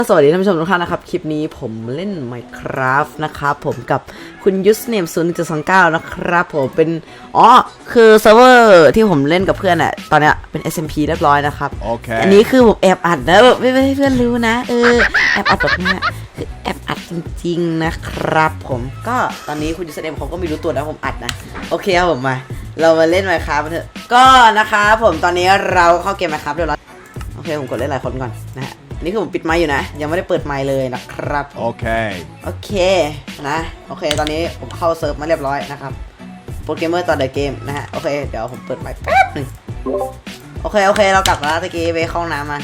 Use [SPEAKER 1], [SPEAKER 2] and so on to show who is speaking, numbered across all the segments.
[SPEAKER 1] สวัสดีท่านผู้ชมทุกท่านนะครับคลิปนี้ผมเล่น Minecraft นะครับผมกับคุณยูสเนม0.29นะครับผมเป็นคือเซิร์ฟเวอร์ที่ผมเล่นกับเพื่อนอะตอนเนี้ยเป็น SMP เรียบร้อยนะครับ
[SPEAKER 2] Okay.
[SPEAKER 1] อันนี้คือผมแอบอัดนะแบบไม่ให้เพื่อนรู้นะแอบอัดแบบนี้คือแอบอัดจริงๆนะครับผมก็ตอนนี้คุณยูสเนมเขาก็ไม่รู้ตัวนะผมอัดนะโอเคครับผมมาเรามาเล่น Minecraft กันเถอะก็นะครับผมตอนนี้เราเข้าเกม Minecraft เรียบร้อยโอเคผมกดเล่นหลายคนก่อนนะฮะนี่คือผมปิดไมค์อยู่นะยังไม่ได้เปิดไมค์เลยนะครับ
[SPEAKER 2] Okay.
[SPEAKER 1] โอเคนะโอเคตอนนี้ผมเข้าเซิร์ฟมาเรียบร้อยนะครับโปรแกรมเมอร์ต่อเดอะเกมนะฮะโอเคเดี๋ยวผมเปิดไมค์แป๊บหนึ่งโอเคเรากลับมาแล้วตะกี้ไปเข้าห้องน้ำมา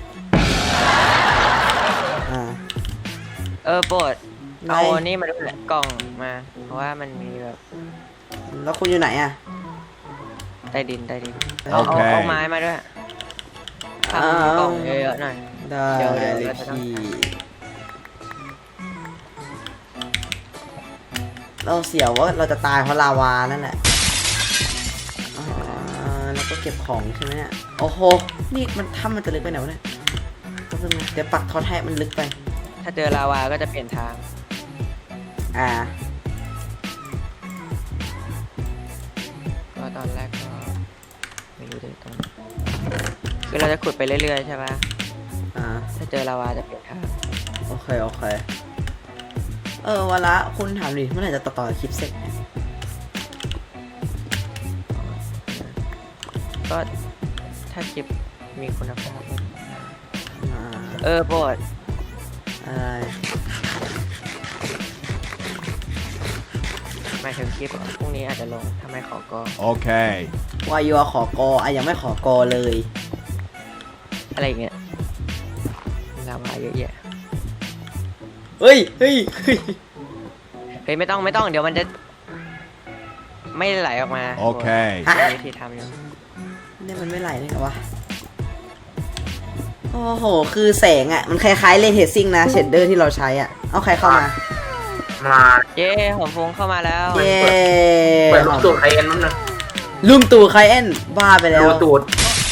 [SPEAKER 3] โปรดเอานี่มาด้วยกล่องมาเพราะว่ามันมีแบบ
[SPEAKER 1] แล้วคุณอยู่ไหนอ่ะ
[SPEAKER 3] ใต้ดิน
[SPEAKER 2] โอเค
[SPEAKER 3] เอาไม้มาด้วยทำกล่องเยอะๆหน่อย
[SPEAKER 1] ได้
[SPEAKER 3] เดี๋ยว
[SPEAKER 1] เลย
[SPEAKER 3] เราจะต้อง
[SPEAKER 1] พี่เราเสียวว่าเราจะตายเพราะลาวานั่นแหละแล้วก็เก็บของใช่ไหมเนี่ยโอ้โหนี่มันถ้ำมันจะลึกไปไหนวะเนี่ยเดี๋ยวปักทอดให้มันลึกไป
[SPEAKER 3] ถ้าเจอลาวาก็จะเปลี่ยนทางก็ตอนแรกก็ไม่รู้เลยตรงคือเราจะขุดไปเรื่อยๆใช่ปะถ้าเจอลาวาจะเปลี่ยนทาง
[SPEAKER 1] โอเควันละคุณถามดิเมื่อไหร่จะต่อคลิปเสร็จ
[SPEAKER 3] ก็ถ้าคลิปมีคุณภาพโปรดหมายถึงคลิปพรุ่งนี้อาจจะลงทำไมขอกอ
[SPEAKER 2] Okay.
[SPEAKER 1] วายัวขอกอยังไม่ขอกอเลย
[SPEAKER 3] อะไรอย่างเงี้ยลาวาเยอะแยะ
[SPEAKER 1] เฮ้ย
[SPEAKER 3] ไม่ต้องเดี๋ยวมันจะไม่ไหลออกมา
[SPEAKER 2] โอเค
[SPEAKER 3] วิธีทำอยู่
[SPEAKER 1] นี่มันไม่ไหลเลยเหรอวะโอ้โหคือแสงอ่ะมันคล้ายๆเลเทซิ่งนะเชดเดอร์ที่เราใช้อ่ะเอาใครเข้ามา
[SPEAKER 3] เย้หอมฟงเข้ามาแล้ว
[SPEAKER 1] เย้
[SPEAKER 4] เปิดลูกตูดไคเอ็นมั้งนะ
[SPEAKER 1] ลุงตู่ไคเอ็นบ้าไปแล้ว
[SPEAKER 4] ลูกตูด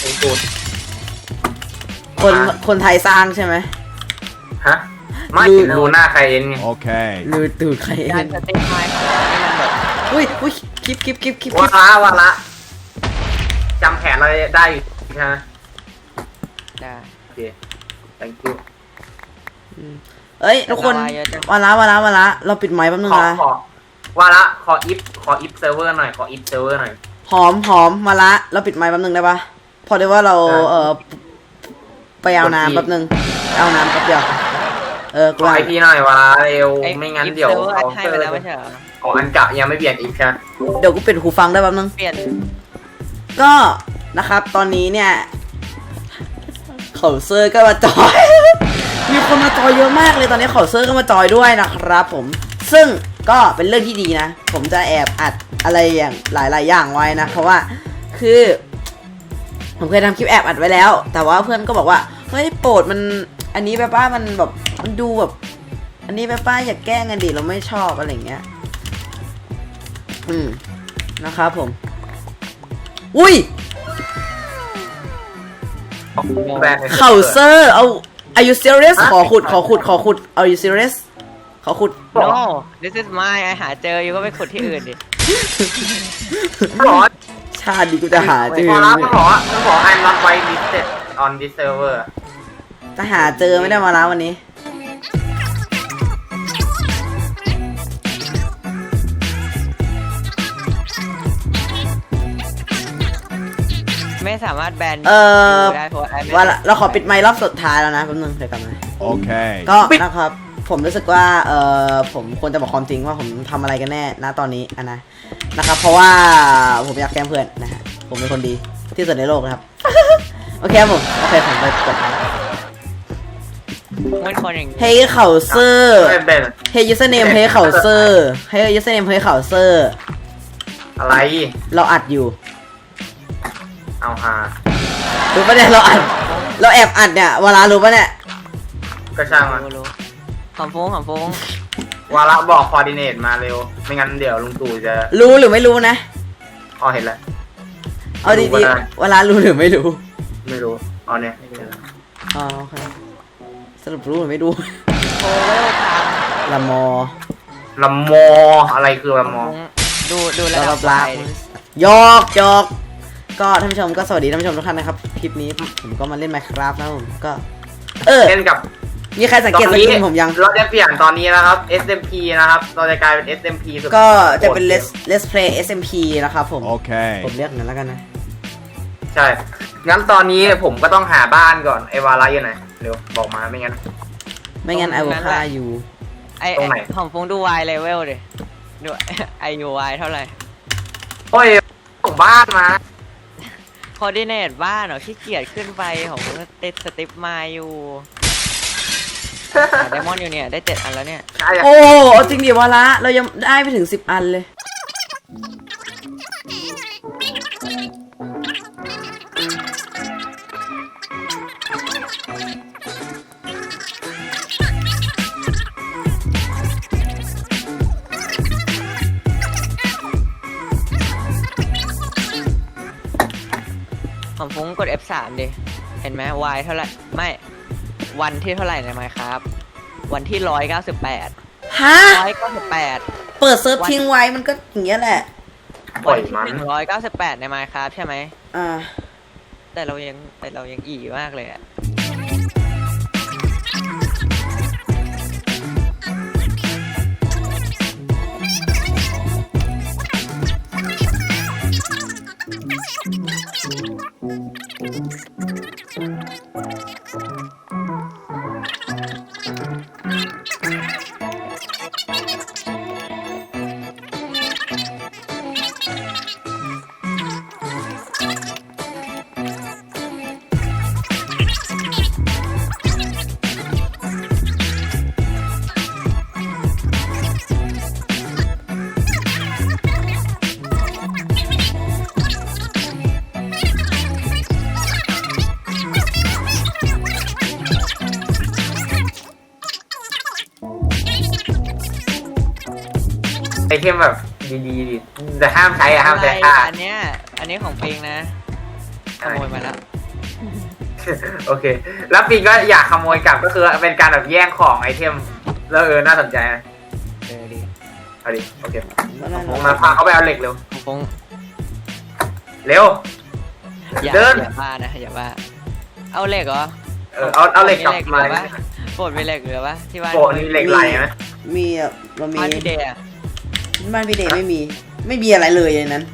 [SPEAKER 1] คนไทยสร้างใช่ไหม
[SPEAKER 4] ฮะไม่ดูหน้าไคเอ็นไง
[SPEAKER 2] Okay.
[SPEAKER 1] ลุงตู่ไคเอ็
[SPEAKER 3] การ
[SPEAKER 1] น
[SPEAKER 3] สเต็ปไม้ของเราที่มันแบบ
[SPEAKER 1] อุ้ยคลิป
[SPEAKER 4] วาระจำแผนเราได้อยู่ใช่ไหม
[SPEAKER 3] ได้
[SPEAKER 4] โอเค thank you
[SPEAKER 1] เอ้ยทุกคนวาระเราปิดไมค์แป๊บนึงนะ
[SPEAKER 4] วาระขออิฟเซิร์ฟเวอร์หน่อย
[SPEAKER 1] หอมมาละเราปิดไมค์แป๊บนึงได้ปะพอได้ว่าเราไปเอาน้ำแป๊บนึงเอาน้ำแป๊บเดียว
[SPEAKER 4] ขอไอพีหน่อยวาระเร็วไม่งั้นเดี๋ยว
[SPEAKER 3] เขาให้ไปแล้วไม่ใช่เหรอ
[SPEAKER 4] ของอันกะยังไม่เปลี่ยนอีกใช่ไหม
[SPEAKER 1] เดี๋ยวกูปิดหูฟังได้แป๊บนึง
[SPEAKER 3] เปลี่ยน
[SPEAKER 1] ก็นะครับตอนนี้เนี่ยเขาเซอร์ก็มาจอย มีคนมาจอยเยอะมากเลยตอนนี้เขาเซอร์ก็มาจอยด้วยนะครับผมซึ่งก็เป็นเรื่องที่ดีนะผมจะแอบอัดอะไรอย่างหลายอย่างไว้นะเพราะว่าคือผมเคยทำคลิปแอบอัดไว้แล้วแต่ว่าเพื่อนก็บอกว่าเฮ้ยโปรดมันอันนี้แบบว่ามันแบบมันดูแบบอันนี้แบบว่าอย่าแกล้งกันดิเราไม่ชอบอะไรอย่างเงี้ยนะครับผมอุ้ยเขาเซอร์เอา Are you serious ขอขุดAre you serious ขอขุด
[SPEAKER 3] No this is mine หาเจออยู่ก็ไปขุดที่อื่นดิ
[SPEAKER 1] ชาติดีกูจะหาเจอ
[SPEAKER 4] มันบอก I'm not white listed on this server
[SPEAKER 1] จะหาเจอไม่ได้มาแล้ววันนี้
[SPEAKER 3] ไม่สามารถแบนได้เพราะ
[SPEAKER 1] ว่าเราขอปิดไมค์รอบสุดท้ายแล้วนะแป๊บนึงเดี๋ยวกลับมา
[SPEAKER 2] Okay.
[SPEAKER 1] ก็นะครับผมรู้สึกว่าผมควรจะบอกความจริงว่าผมทำอะไรกันแน่ณตอนนี้นะครับเพราะว่าผมอยากแกล้งเพื่อนนะฮะผมเป็นคนดีที่สุดในโลกนะครับ โอเคผมไปกด
[SPEAKER 3] มันคนอย่าง
[SPEAKER 1] เฮ้ยเขาเซอร์เฮ้ยยูสเนมเฮ้ยเขาเซอร์เฮ้ยยูสเนมเฮ้ยเขาเซอร์
[SPEAKER 4] อะไร
[SPEAKER 1] เราอัดอยู่
[SPEAKER 4] เอาฮะ
[SPEAKER 1] รู้ปะเนี่ยเราแอบอัดเนี่ยวาระรู้ปะเนี่ย
[SPEAKER 4] ก็ช่างมัน
[SPEAKER 3] หอมฟง
[SPEAKER 4] วาระบอกคอร์ดิเนตมาเร็วไม่งั้นเดี๋ยวลุงตู่จะ
[SPEAKER 1] รู้หรือไม่รู้นะ
[SPEAKER 4] เห็นแล้ว
[SPEAKER 1] เอาดีๆวาระรู้หรือไม่รู้
[SPEAKER 4] เอาเนี่ย
[SPEAKER 1] โอเคสรุปรู้หรือไม่ดู
[SPEAKER 3] โอเวลท
[SPEAKER 1] ละมอ
[SPEAKER 4] ลำมออะไรคือลำมอ
[SPEAKER 3] ำดูระดับ
[SPEAKER 1] ลา
[SPEAKER 3] ไฟ
[SPEAKER 1] ยอกยอกก็ท่านผู้ชมก็สวัสดีท่านผู้ชมทุกท่านนะครับคลิปนี้ผมก็มาเล่น Minecraft นะผมก็
[SPEAKER 4] เล่นกับ
[SPEAKER 1] มีใครสังเกตสกินผมยัง
[SPEAKER 4] เราจะเปลี่ยนตอนนี้นะครับ SMP นะครับเราจะกลายเป็น SMP สุด
[SPEAKER 1] ก็จะเป็น Let's Play SMP นะครับผม
[SPEAKER 2] Okay.
[SPEAKER 1] ผมเรียกอย่างนั้นแล้วกันนะ
[SPEAKER 4] ใช่งั้นตอนนี้ผมก็ต้องหาบ้านก่อนไอวาระอยู่ไหนเร็วบอกมาไม่งั้น
[SPEAKER 1] ไม่งั้นไอวฆ่าอยู่
[SPEAKER 4] ตรงไหน
[SPEAKER 3] ของฟงดู Y level ดิดู IUY เท่าไหร่
[SPEAKER 4] โอ้ยส่งบ้านมา
[SPEAKER 3] คอร์ดิเนตบ้านเหรอขี้เกียจขึ้นไปของติดสติปมาอยู่ไดมอนด์อยู่เนี่ยได้7 อันแล้วเนี่ย
[SPEAKER 4] ใช่
[SPEAKER 1] โอ้จริงดิวะละเรายังได้ไปถึง10 อันเลย
[SPEAKER 3] ของฟงกด F3 ดิเห็นไหม Y เท่าไหร่ไม่วันที่เท่าไหร่ใน Minecraft วันที่198
[SPEAKER 1] ฮะ
[SPEAKER 3] 198
[SPEAKER 1] เปิดเซิร์ฟทิ้งไว้มันก็อย่างเงี้ยแหละ
[SPEAKER 4] ปล่อยมัน
[SPEAKER 3] 198ใน Minecraft ใช่ไหม
[SPEAKER 1] อ่า
[SPEAKER 3] แต่เรายังอีมากเลยอะ
[SPEAKER 4] ไอเทมแบบดีๆดิแต่ห้ามใช้อะห้ามใช้ค่า
[SPEAKER 3] อันนี้ของปิงนะขโมยมาแล้ว
[SPEAKER 4] โอเค แล้วปีก็อยากขโมยกลับก็คือเป็นการแบบแย่งของไอเทมแล้วน่าสนใจนะ
[SPEAKER 3] ดี
[SPEAKER 4] เอาดิโอเค
[SPEAKER 1] ผม
[SPEAKER 4] มาพาเขาไปเอาเหล็กเร็ว
[SPEAKER 3] ของฟง
[SPEAKER 4] เร็ว
[SPEAKER 3] อย่า
[SPEAKER 4] เดิน
[SPEAKER 3] บ้านะอย่าบ้าเอาเหล็กเหรอ
[SPEAKER 4] เอาเหล็กกลับมา
[SPEAKER 3] โปรดมีเหล็กเหลือปะที่บ้าน
[SPEAKER 4] โปะนี่เหล็กไหลไหม
[SPEAKER 1] มีอ่ะเรามี
[SPEAKER 3] บ้านพี่เดย์อะ
[SPEAKER 1] บ้านพี่เดย์ไม่มีอะไรเลยในนั้น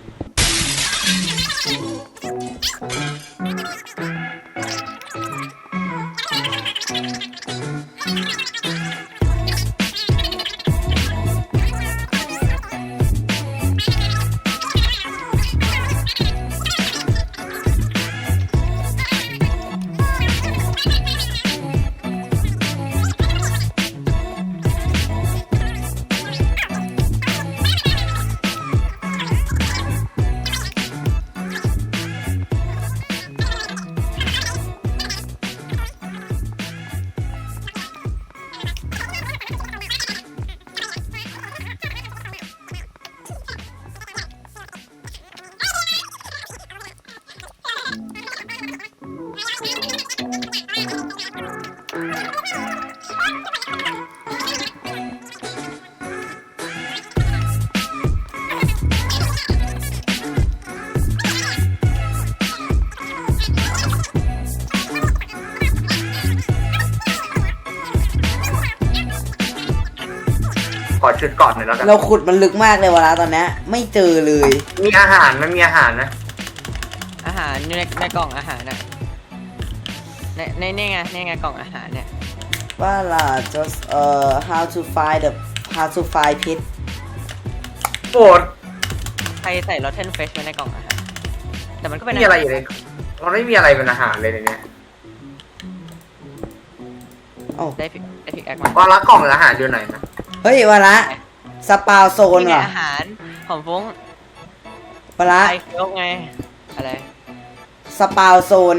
[SPEAKER 4] ขอชุดก่อนหน่อยแล้วกัน
[SPEAKER 1] เราขุดมันลึกมากเลยวะละตอนเนี้ยไม่เจอเลย
[SPEAKER 4] มีอาหารมันมีอาหารนะ
[SPEAKER 3] อาหารอยู่ในกล่องอาหารน่ะนี่ไงกล่องอาหารเนี่ย
[SPEAKER 1] ว่าล่ะ just how to find pit
[SPEAKER 4] โปรด
[SPEAKER 3] ใครใส่ลอตเทนเฟชไว้ในกล่องอาหารแต่มันก็
[SPEAKER 4] ไม่
[SPEAKER 3] เป็น
[SPEAKER 4] มีอะไรอยู่ในมันไม่มีอะไรเป็นอาหารเลยในเนี้ย
[SPEAKER 1] โอ้
[SPEAKER 3] ได้พิกแอคมา
[SPEAKER 4] ว่าละกล่องอาหารอยู่ไหนนะ
[SPEAKER 1] เฮ้ยวะละสปาวโซน
[SPEAKER 3] นี่ไง
[SPEAKER 1] เหรอ
[SPEAKER 3] อาหารของฟง
[SPEAKER 1] วะละ
[SPEAKER 3] ไอเคียวไงอะไร
[SPEAKER 1] สปาวโซน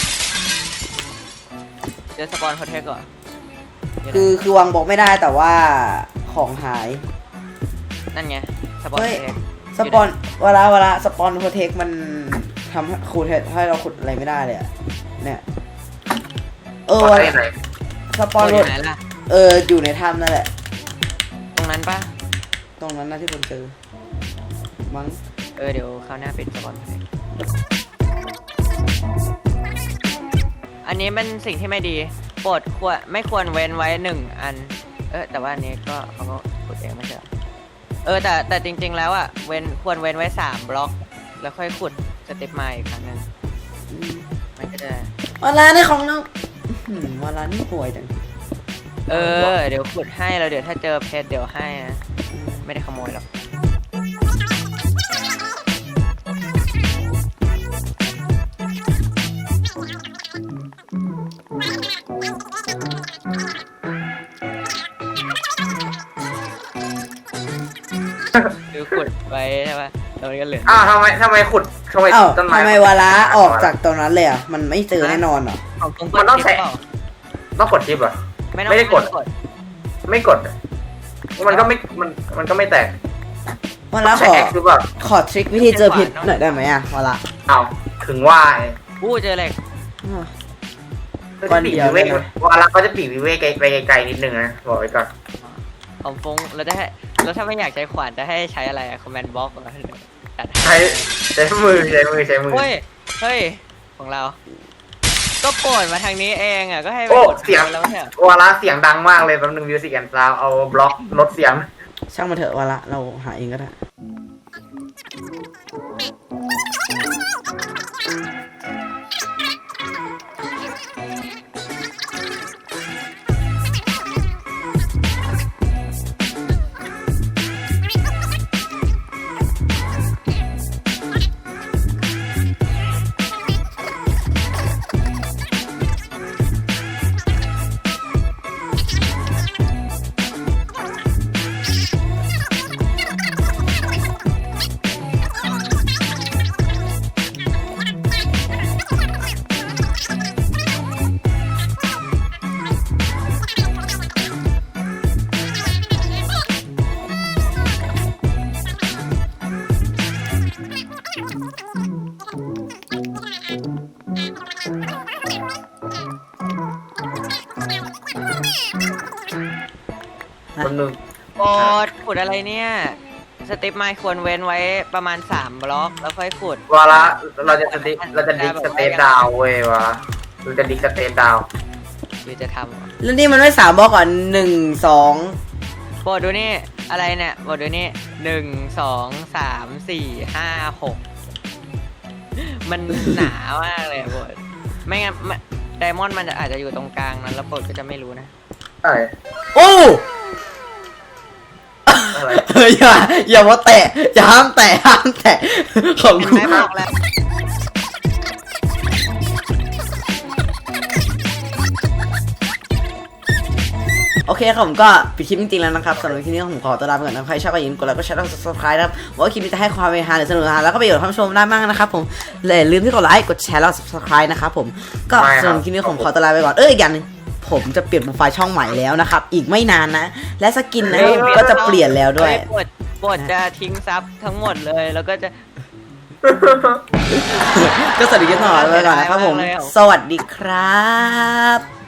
[SPEAKER 3] เดี๋ยวสปอนโฮเทลก่อน
[SPEAKER 1] คือวางบอกไม่ได้แต่ว่าของหาย
[SPEAKER 3] นั่นไงสปอน
[SPEAKER 1] เฮ้ย
[SPEAKER 3] โฮเทล
[SPEAKER 1] สปอนเวลาสปอนโปรเทคมันทำให้ขุดให้เราขุดอะไรไม่ได้เลยอะเนี่ย
[SPEAKER 4] ขอ
[SPEAKER 1] วะ
[SPEAKER 4] ได้ไหน
[SPEAKER 1] สปอน
[SPEAKER 3] อ
[SPEAKER 1] รถ
[SPEAKER 3] ยู่ไหนล่ะ
[SPEAKER 1] อยู่ในถ้ำนั่นแหละ
[SPEAKER 3] ตรงนั้นปะ
[SPEAKER 1] ตรงนั้นนะที่ผมเจอมั้ง
[SPEAKER 3] เดี๋ยวคราวหน้าปิดสปอนให้อันนี้เป็นสิ่งที่ไม่ดีโปรดไม่ควรเว้นไว้1 อันแต่ว่าอันนี้ก็เขาก็ขุดเองไม่ใช่เหรอแต่จริงๆแล้วอ่ะควรเว้นไว้3 บล็อก แล้วค่อยขุดสเต็ปมาอีกครั้งหนึงมันก็จะ
[SPEAKER 1] วาลานี่ของน้องวาลานี่ป่วยจัง
[SPEAKER 3] เดี๋ยวขุดให้แล้วเดี๋ยวถ้าเจอเพชรเดี๋ยวให้นะไม่ได้ขโมยหรอกคือขุดไว้ใช่ปะแล้วมันก็เหลือ
[SPEAKER 4] ทำไมขุดทำไม
[SPEAKER 1] อ้าว
[SPEAKER 4] ต้นไม้
[SPEAKER 1] ทำไมวาลาออกจากตรงนั้นเลยอ่ะมันไม่เจอแน่นอนเหรอ
[SPEAKER 3] ของตรง
[SPEAKER 4] มันต้องใช้
[SPEAKER 3] เปล่า
[SPEAKER 4] ต้องกดชิปเหรอ
[SPEAKER 3] ไม่ต้อง
[SPEAKER 4] ไม่ได้กด ไม่กดมันก็ไม่มันก็ไม่แตก
[SPEAKER 1] วาลา
[SPEAKER 4] ใช้ X หรือเปล่า
[SPEAKER 1] ขอทริควิธีเจอผิดหน่อยได้ไหมอ่ะวาลา
[SPEAKER 4] เอาถึงว่าไง
[SPEAKER 3] เจอเหล็ก
[SPEAKER 1] วันเดียว
[SPEAKER 4] ปีกวิเวกวาระเขาจะปีกวิเวกไปไกลๆนิดนึงนะบอกไว้ก่อน
[SPEAKER 3] ของฟงแล้วถ้าไม่อยากใช้ขวานจะให้ใช้อะไรอะคอมแมนด์บล็อกจัด
[SPEAKER 4] ใช้มือ
[SPEAKER 3] เฮ้ยของเรา ก็โปรดมาทางนี้เองอ่ะก็ให้ไป
[SPEAKER 4] โอ้
[SPEAKER 3] กด
[SPEAKER 4] เสียง
[SPEAKER 3] แล้วเนี่ยว
[SPEAKER 4] าระเสียงดังมากเลยแป๊บนึงมิวสิกแอนด์ซาวเอาบล็อกลดเสียง
[SPEAKER 1] ช่างมาเถอะวาลาเราหาเองก็ได้
[SPEAKER 4] คนหนึ่ง
[SPEAKER 3] โปรดขุดอะไรเนี่ยสเต็ปไม้ควรเว้นไว้ประมาณ3 บล็อกแล้วค่อยขุด
[SPEAKER 4] วาระเราจะดิกสเตปดาวเว้ยวะเราจะดิกสเตปดาว
[SPEAKER 3] หรือจะทำเหรอ
[SPEAKER 1] แล้วนี่มันไม่3 บล็อกก่อน1 2
[SPEAKER 3] โปรดดูนี่อะไรเนี่ยโปรดดูนี่1 2 3 4 5 6มันหนามากเลยโปรดไม่งั้นไดมอนด์มันอาจจะอยู่ตรงกลางนั้นแล้วโปรดก็จะไม่รู้นะ
[SPEAKER 4] อะไร
[SPEAKER 1] โอ้
[SPEAKER 4] อะไร
[SPEAKER 1] อย่ามาแตะอย่าห้ามแตะของ
[SPEAKER 3] เห็น
[SPEAKER 1] กู
[SPEAKER 3] ไหมบอกแล้ว
[SPEAKER 1] โอเคครับผมก็ปิดคลิปจริงๆแล้วนะครับสำหรับคลิปนี้ผมขอตัวลาไปก่อนนะใครชอบก็อย่าลืมกดไลค์กดแชร์และ subscribe นะครับว่าคลิปนี้จะให้ความเมตตาหรือสนุกแล้วก็ประโยชน์ท่านผู้ชมได้มากนะครับผมอย่าลืมที่กดไลค์กดแชร์แล้ว subscribe นะครับผมก็สำหรับคลิปนี้ผมขอตัวลาไปก่อนอีกอย่างนึงผมจะเปลี่ยนโปรไฟล์ช่องใหม่แล้วนะครับอีกไม่นานนะและสกินนะก็จะเปลี่ยนแล้วด้วย
[SPEAKER 3] โปรดจะทิ้งซับทั้งหมดเลยแล้วก็จะ
[SPEAKER 1] ก็สวัสดีกันต่อไปก่อนนะครับผมสวัสดีครับ